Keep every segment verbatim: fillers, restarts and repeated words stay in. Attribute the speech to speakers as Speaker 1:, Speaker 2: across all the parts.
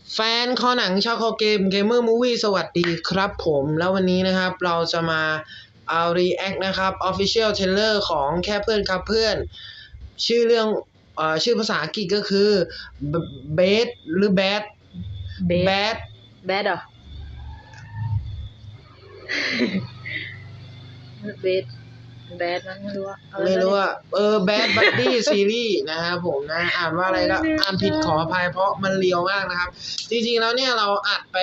Speaker 1: แฟนคอหนังชาวคอเกมเกมเมอร์มูวี่สวัสดีครับผมแล้ววันนี้นะครับเราจะมาเอา react นะครับ official trailer ของแค่เพื่อนครับเพื่อนชื่อเรื่องเอ่อชื่อภาษาอังกฤษก็คือ bad หรือ bad bad
Speaker 2: bad เหรอ bad bad มั้งไม่รู้ว่า
Speaker 1: ไม่รู้ว่าเออ bad buddy series นะครับผมนะอ่านว่าอะไรก็อ่านผิดขออภัยเพราะมันเลียวมากนะครับจริงๆแล้วเนี่ยเราอัดไป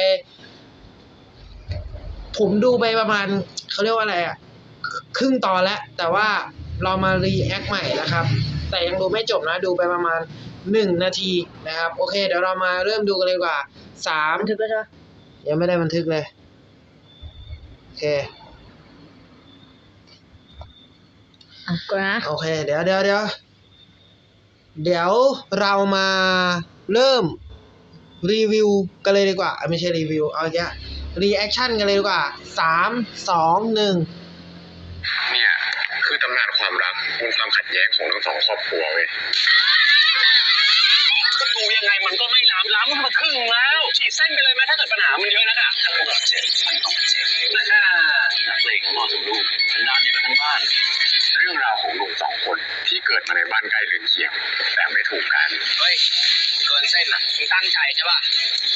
Speaker 1: ผมดูไปประมาณเขาเรียกว่าอะไรอ่ะครึ่งตอนแล้วแต่ว่าเรามารีแอคใหม่นะครับแต่ยังดูไม่จบนะดูไปประมาณหนึ่งนาทีนะครับโอเคเดี๋ยวเรามาเริ่มดูกันเลยดีกว่าสาม
Speaker 2: บันทึกแล้วใช่ปะ
Speaker 1: ยังไม่ได้บันทึกเลยโอเค
Speaker 2: อ่ะก่อนนะ
Speaker 1: โอเคเดี๋ยวเดี๋ยวเดี๋ยวเดี๋ยวเรามาเริ่มรีวิวกันเลยดีกว่าไม่ใช่รีวิวเอาอย่างเงี้ยรีแอคชั่นกันเลยดีกว่าสามสองหนึ่ง
Speaker 3: เนี่ยคือตำนานความรักบนความขัดแย้งของทั้งสองครอบครัวเว้ยดูยังไงมันก็ไม่ล้ำล้ำมาครึ่งแล้วฉีดเส้นไปเลยไหมถ้าเกิดปัญหามันเยอะนักอะถ้าคุณแบบเจ็บไม่ต้องเจ็บน่านักเลงของพ่อของลูกฉันด้านเดียวกันทั้งบ้านเรื่องราวของหนุ่มสองคนที่เกิดมาในบ้านใกล้เรือนเคียงแต่ไม่ถูกกันเฮ้ยเกินเส้นอ่ะมึงตั้งใจใช่ป่ะ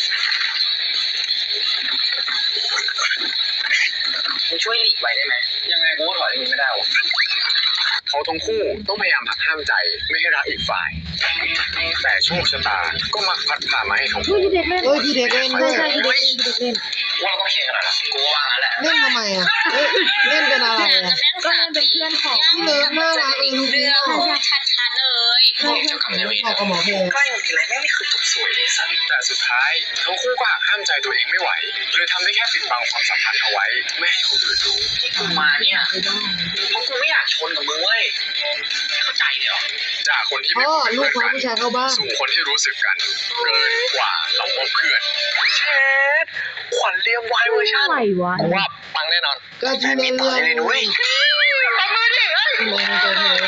Speaker 3: มึงช่วยหลีกไว้ได้ไหมยังไงกูก็ถอยเรื่องนี้ไม่ได้หรอกเขาทั้งคู่ต้องพยายามหักห้ามใจไม่ให้รักอีกฝ่ายแต่โชคชะตาก็มักพัดพามาให้เขา
Speaker 2: เฮ้ยพี่เด็กเล่น
Speaker 1: เฮ้ยพี่เด็กเล่นด้วย
Speaker 2: ใช่พี่เด็กเล่นพี่เด็กเล่น
Speaker 3: ว่าต้องเคลียร์กันหน่อยละกูว่างั้นแหละ
Speaker 1: เล่นทำไมอ่ะเอ้ยเล่นเป็นอะไรอ่ะ
Speaker 2: ก็เล่นเป็นเพื่อนของ
Speaker 1: พี่เลิฟน่ารักเองเรื่อง
Speaker 4: ชัดๆเลย
Speaker 3: เจ้ากรรมนายเวร
Speaker 1: พอกับหมอเพลง
Speaker 3: ใกล้มีอะไรแม่งไม่คือจบสวยเลยสันแต่สุดท้ายทั้งคู่ก็หักห้ามใจตัวเองไม่ไหวเลยทำได้แค่ปิดบังความสัมพันธ์เอาไว้ไม่ให้คนอื่นรู้ที่กูมาเนี่ยเพราะกูไม่อยากชนกับมึงเว้ยไม่เข้าใจเลยเหรอจากคนที่ไม่
Speaker 1: พ่อ
Speaker 3: เป็น
Speaker 1: ลูก
Speaker 3: เพื่อน
Speaker 1: เขา
Speaker 3: กัน
Speaker 1: ผู้ชายเข้าบ้าน
Speaker 3: สู่คนที่รู้สึกกันเกินกว่าเราว่าเพื่อนเชดขวัญเรียมไวเวอร์ชัน
Speaker 2: อะไรวะ
Speaker 3: กูว่าปังแน่นอน
Speaker 1: ก็ที่เล่นเรื่อง
Speaker 3: เลยนุ้ยทำมาดิเอ้ย
Speaker 1: ที่เล่นในตัวเธอ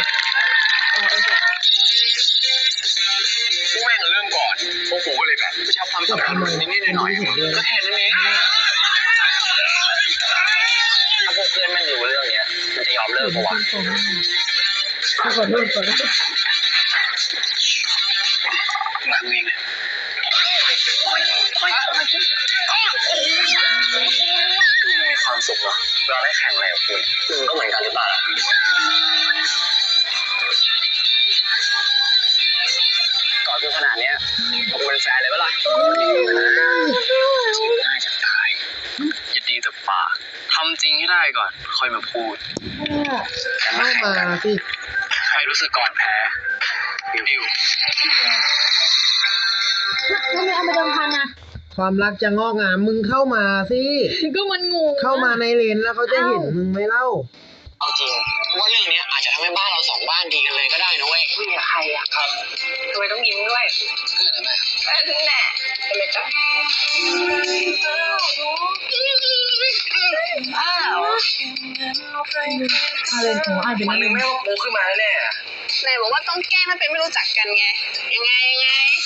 Speaker 3: พวกแม่งเริ่มก่อนพวกกูก็เลยแบบไม่ชอบความสัมพันธ์นิดๆหน่อยๆก็แค่นั้นเองถ้าพวกเพื่อนแม่งรู้เรื่องเนี้ยมันจะยอมเลิกปะวะ
Speaker 2: ขอโทษขอโทษ
Speaker 3: หลังนี้เนี่ยคือมีความสุขเหรอเราได้แข่งอะไรกับคุณมึงก็เหมือนกันหรือเปล่าล่ะก่อนคือขนาดเนี้ยผมเป็นแฟนเลยปะล่ะง่ายจะตายอย่าดีแต่ปากทำจริงให้ได้ก่อนค่อยมาพูดกัน
Speaker 1: เข้า
Speaker 3: มาแข่ง
Speaker 1: มา
Speaker 3: กัน
Speaker 1: สิ
Speaker 3: ใครรู้สึกก่อนแพ้ดิว
Speaker 2: ทำไมเอามาเดิมพันอ่ะ
Speaker 1: ความรักจะงอกงามมึงเข้ามาสิ
Speaker 2: ก็มันงง
Speaker 1: เข้ามาในเลนแล้วเขาจะเห็นมึงไหมเล่า
Speaker 3: เอาจริงว่าเรื่องนี้อาจจะทำให้บ้านเราสองบ้านดีกันเลยก็ได้นะเว้ยคุยกับใครอะครับทำไมต้องยิ้มด้วยเพื่อนอะไรแม่ถึงแน่ทำไมจ๊ะอ้าว
Speaker 2: อะไรของอ่านเป็น
Speaker 3: มัน
Speaker 2: อะไร
Speaker 3: ไม่ว่าปูขึ้นมาแน่
Speaker 4: ไหนบอกว่าต้องแกล้งมันเป็นไม่รู้จักกันไง ยังไงยังไง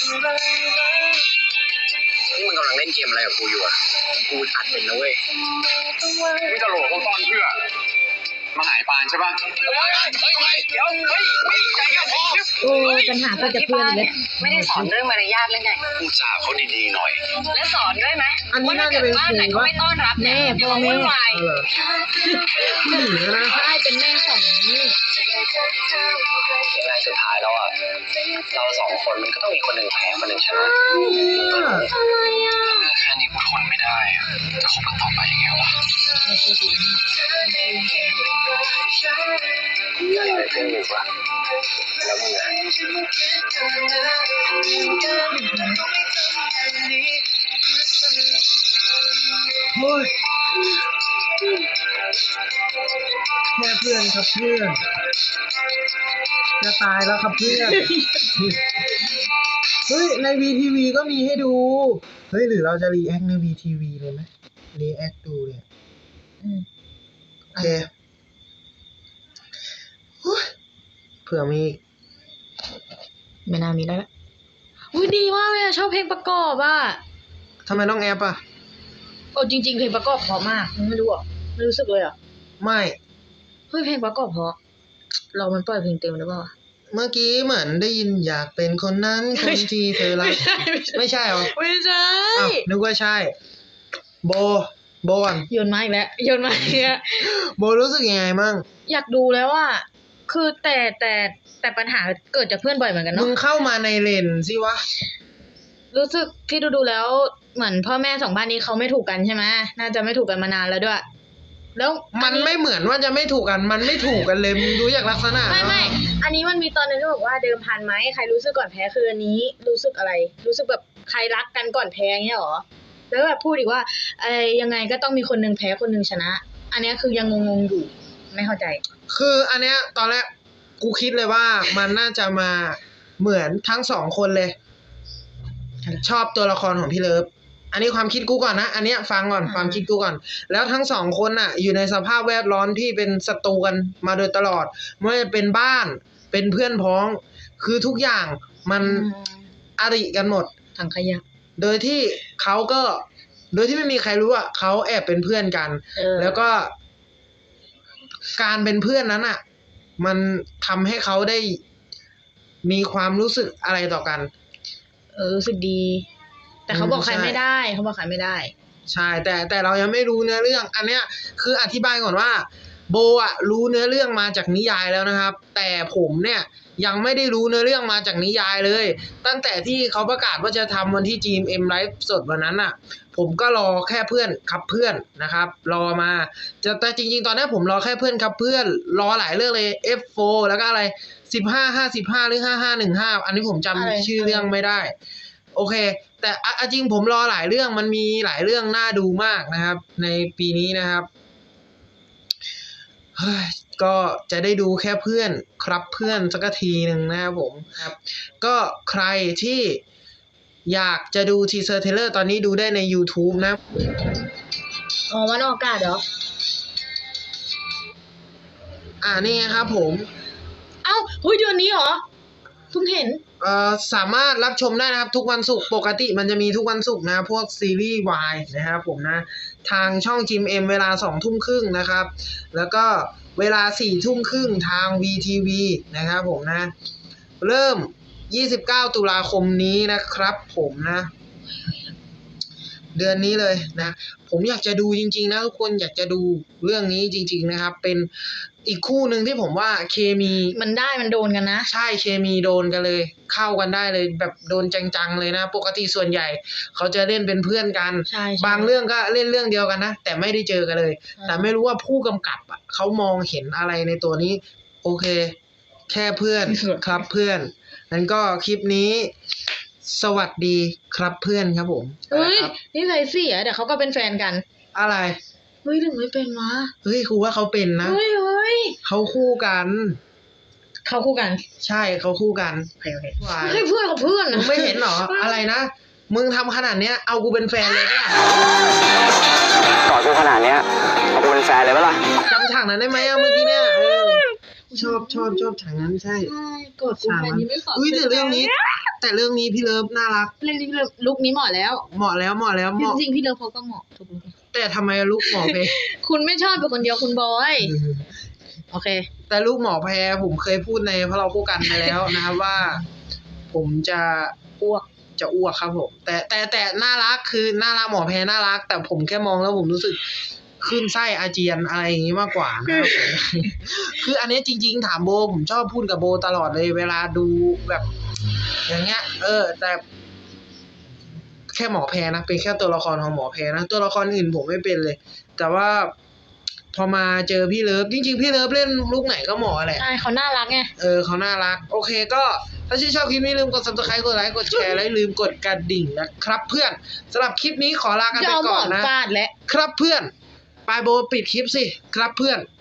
Speaker 3: นี่มึงกำลังเล่นเกมอะไรกับกูอยู่อะกูอัดเป็นนะเว้ยมึงจะโหลดพวกตอนเพื่อมาหายปานใช่ป่ะเฮ้ยเฮ้ยเฮ้ยเดี๋ยวเฮ้ยใจเย็นพอ
Speaker 2: โอ้ยปัญหาก็จะเพื่อนเลย
Speaker 4: ไม่ได้สอนเรื่องมารยาทเลยไง
Speaker 3: กูจ่าเขาดีๆหน่อย
Speaker 4: และสอนด้วยไหม
Speaker 1: อันนี้น่าจะเป็น
Speaker 4: บ้านไหน
Speaker 1: ครู
Speaker 4: ก็
Speaker 1: ปะ
Speaker 4: ไม่ต้อนรับเนี่ย
Speaker 2: แม่
Speaker 4: เดี๋ยว
Speaker 2: พ่อแม่
Speaker 4: วุ่นวาย
Speaker 1: เออผู้หญิงนะ
Speaker 2: ใช่เป็นแม่ของนี่
Speaker 3: ยังไงสุดท้ายแล้วอ่ะเราสองคนมันก็ต้องมีคนหนึ่งแพ้คนหนึ่งชนะแค่นี้กูทนไม่ได้อะจะคบกันต่อไปยังไงวะยังไงเพื่อนอยู่ปะแล้วมึงอะ
Speaker 1: โอ้ยแค่เพื่อนครับเพื่อนจะตายแล้วครับเพื่อนเฮ้ยใน วี ที วี ก็มีให้ดูเฮ้ยหรือเราจะรีแอคใน วี ที วี เลยไหมรีแอคดูเนี่ย
Speaker 2: อืม
Speaker 1: โอเคเผื่อมี
Speaker 2: ไม่น่ามีแล้วละอุ้ยดีมากเลยอะชอบเพลงประกอบอ่ะ
Speaker 1: ทำไมต้องแอปอ่ะ
Speaker 2: โอ้จริงๆเพลงประกอบเพราะมากมึงไม่รู้อ่ะไม่รู้สึกเลยอ่ะ
Speaker 1: ไม่
Speaker 2: เฮ้ยเพลงประกอบเพราะเรามันปล่อยเพลงเต็มหรือเปล่า
Speaker 1: เมื่อกี้เหมือนได้ยินอยากเป็นคนนั้นคนที่เธอรักไม่ใช่เหรอ
Speaker 2: ไม่ใช่
Speaker 1: อ้าวนึกว่าใช่ โบโบก่อน
Speaker 2: โยนมาอีกแล้วโยนมาอีกแล้ว
Speaker 1: โบรู้สึกยังไงมั่ง
Speaker 2: อยากดูแล้วว่า คือแต่แต่แต่ปัญหาเกิดจากเพื่อนบ่อยเหมือนกัน
Speaker 1: มึ
Speaker 2: เนาะ
Speaker 1: งเข้ามาในเลนสิวะ
Speaker 2: รู้สึกที่ดูดูๆแล้วเหมือนพ่อแม่สองบ้านนี้เขาไม่ถูกกันใช่ไหมน่าจะไม่ถูกกันมานานแล้วด้วย แล้ว
Speaker 1: มันไม่เหมือนว่าจะไม่ถูกกัน มันไม่ถูกกันเลยมึงดูจากลักษณะ
Speaker 2: ไม่ไม่อันนี้มันมีตอนนึงที่บอกว่าเดิมพันไหมใครรู้สึกก่อนแพ้คืออันนี้รู้สึกอะไร รู้สึกแบบใครรักกันก่อนแพ้เงี้ยหรอแล้วแบบพูดอีกว่าอะไรยังไงก็ต้องมีคนนึงแพ้คนนึงชนะ อันเนี้ยคือยังงงๆอยู่ไม่เข้าใจ
Speaker 1: คืออันเนี้ยตอนแรกกูคิดเลยว่ามันน่าจะมาเหมือนทั้งสองคนเลย ชอบตัวละครของพี่เลิฟ อันนี้ความคิดกูก่อนนะ อันเนี้ยฟังก่อน
Speaker 2: อ่า
Speaker 1: ความคิดกูก่อน แล้วทั้งสองคนน่ะ อยู่ในสภาพแวดล้อมที่เป็นศัตรูกันมาโดยตลอดไม่ว่าจะเป็นบ้าน เป็นเพื่อนพ้อง คือทุกอย่างมันอริกันหมด
Speaker 2: ถังขยะ
Speaker 1: โดยที่เขาก็ โดยที่ไม่มีใครรู้ว่าเขาแอบเป็นเพื่อนกัน
Speaker 2: เออ
Speaker 1: แล้วก็ การเป็นเพื่อนนั้นอ่ะ มันทำให้เขาได้มีความรู้สึกอะไรต่อกัน
Speaker 2: เออรู้สึกดี แต่เขาบอกใครไม่ได้เขาบอกใครไม่ได้
Speaker 1: ใช่ แต่แต่เรายังไม่รู้เนื้อเรื่อง อันเนี้ยคืออธิบายก่อนว่า โบอ่ะรู้เนื้อเรื่องมาจากนิยายแล้วนะครับ แต่ผมเนี่ยยังไม่ได้รู้เนื้อเรื่องมาจากนิยายเลย ตั้งแต่ที่เขาประกาศว่าจะทำวันที่ จี เอ็ม เอ็ม ไลฟ์สดวันนั้นอ่ะ ผมก็รอแค่เพื่อนครับเพื่อนนะครับ รอมาจะแต่จริงๆ ตอนนี้ผมรอแค่เพื่อนครับเพื่อน รอหลายเรื่องเลย เอฟ โฟร์ แล้วก็อะไรสิบห้า ห้าสิบห้าหรือห้าห้าหนึ่งห้าอันนี้ผมจำ
Speaker 2: อะไร
Speaker 1: ชื่อเรื่องไม่ได้ โอเค แต่อ่ะอ่ะจริงผมรอหลายเรื่องมันมีหลายเรื่องน่าดูมากนะครับ ในปีนี้นะครับเฮ้ยก็จะได้ดูแค่เพื่อนครับเพื่อนสักทีหนึ่งนะครับผมครับ ก็ใครที่อยากจะดูทีเซอร์เทเลอร์ตอนนี้ดูได้ใน YouTube นะ
Speaker 2: อ๋อวันออกอากาศเหรอ
Speaker 1: อ่านี่ไงครับผม
Speaker 2: เอ้าเฮ้ยเดือนนี้เหรอเพิ่งเห็น
Speaker 1: เอ่อสามารถรับชมได้นะครับ ทุกวันศุกร์ปกติมันจะมีทุกวันศุกร์นะพวกซีรีส์วายนะครับผมนะ ทางช่อง จี เอ็ม เอ็ม เวลาสองทุ่มครึ่งนะครับ แล้วก็เวลาสี่ทุ่มครึ่งทาง วี ที วี นะครับผมนะ เริ่มยี่สิบเก้าตุลาคมนี้นะครับผมนะ เดือนนี้เลยนะ ผมอยากจะดูจริงๆนะทุกคนอยากจะดูเรื่องนี้จริงๆนะครับ เป็นอีกคู่หนึ่งที่ผมว่าเคมี
Speaker 2: มันได้มันโดนกันนะ
Speaker 1: ใช่เคมีโดนกันเลย เข้ากันได้เลยแบบโดนจังๆเลยนะ ปกติส่วนใหญ่ เขาจะเล่นเป็นเพื่อนกัน
Speaker 2: ใช่ใช่
Speaker 1: บางเรื่องก็เล่นเรื่องเดียวกันนะ แต่ไม่ได้เจอกันเลย
Speaker 2: อ่า
Speaker 1: แต่ไม่รู้ว่าผู้กำกับอ่ะเขามองเห็นอะไรในตัวนี้ โอเค แค่เพื่อนครับเพื่อนนั้นก็คลิปนี้ สวัสดีครับเพื่อนครับผม
Speaker 2: เฮ้ย
Speaker 1: ครับ
Speaker 2: นี่ใส่เสียเดี๋ยวเขาก็เป็นแฟนกัน
Speaker 1: อะไร
Speaker 2: เฮ้ยถึงไม่เป็นวะ
Speaker 1: เฮ้ยครูว่าเขาเป็นนะ
Speaker 2: เฮ้ยเฮ้ย
Speaker 1: เขาคู่กัน
Speaker 2: เขาคู่กัน
Speaker 1: ใช่เขาคู่กัน
Speaker 2: โอเคโอเค
Speaker 1: ว้าย
Speaker 2: เฮ้ยเพื่อนกับเพื่อน
Speaker 1: มึ
Speaker 2: นะ
Speaker 1: งไม่เห็นเหรอ อะไรนะ มึงทำขนาดเนี้ย เอากูเป็นแฟนเลยเนี่ย
Speaker 3: ก่อนกูขนาดเนี้ยเอากูเป็นแฟนเลยปะล่ะ
Speaker 1: จำฉากนั้นได้ไหมอะเมื่อกี้เนี่ยเออชอบชอบชอบฉากนั้นใช่
Speaker 2: ใช่กดกูแฟนนี้ไม่ขอ
Speaker 1: อุ้ยแต่เรื่องนี้ แต่เรื่องนี้พี่เลิฟน่ารัก
Speaker 2: เรื่องนี้ลุกนี้เหมาะแล้ว
Speaker 1: เหมาะแล้วเหมาะแล้วเหมาะ
Speaker 2: จริงๆพี่เลิฟเขาก็เหมาะทุกลุก
Speaker 1: แต่ทำไมลูกหมอเพ
Speaker 2: คุณไม่ชอบเป็นคนเดียวคุณบอยโอเค
Speaker 1: แต่ลูกหมอแพรผมเคยพูดในเพราะเราพูดกันไปแล้วนะครับว่า ผมจะ
Speaker 2: อ้วก
Speaker 1: จะอ้วกครับผม แต่แต่แต่น่ารักคือน่ารักหมอแพรน่ารัก แต่ผมแค่มองแล้วผมรู้สึกขึ้นไส้อาเจียนอะไรอย่างนี้มากกว่านะครับผม คืออันนี้จริง ๆ ถามโบผมชอบพูดกับโบตลอดเลยเวลาดูแบบ อย่างเงี้ย เออ แต่ แค่หมอแพรนะเป็นแค่ตัวละครของหมอแพรนะตัวละครอื่นผมไม่เป็นเลย แต่ว่า พอมาเจอพี่เลิฟจริงๆพี่เลิฟเล่นลูกไหนก็เหมาะแหละ
Speaker 2: ใช่เขาน่ารักไง
Speaker 1: เออเขาน่ารัก โอเคก็ถ้าชื่นชอบคลิปนี้ลืมกด ซับสไครบ์ กดไลค์กดแชร์และอย่าลืมกดกระดิ่งนะครับ เพื่อนสำหรับคลิปนี้ขอลากัน
Speaker 2: จะ
Speaker 1: ไป
Speaker 2: เอาหม
Speaker 1: ก่อ
Speaker 2: อน น
Speaker 1: นะ
Speaker 2: ฟาดและ
Speaker 1: ครับเพื่อนปายโบปิดคลิปสิครับเพื่อน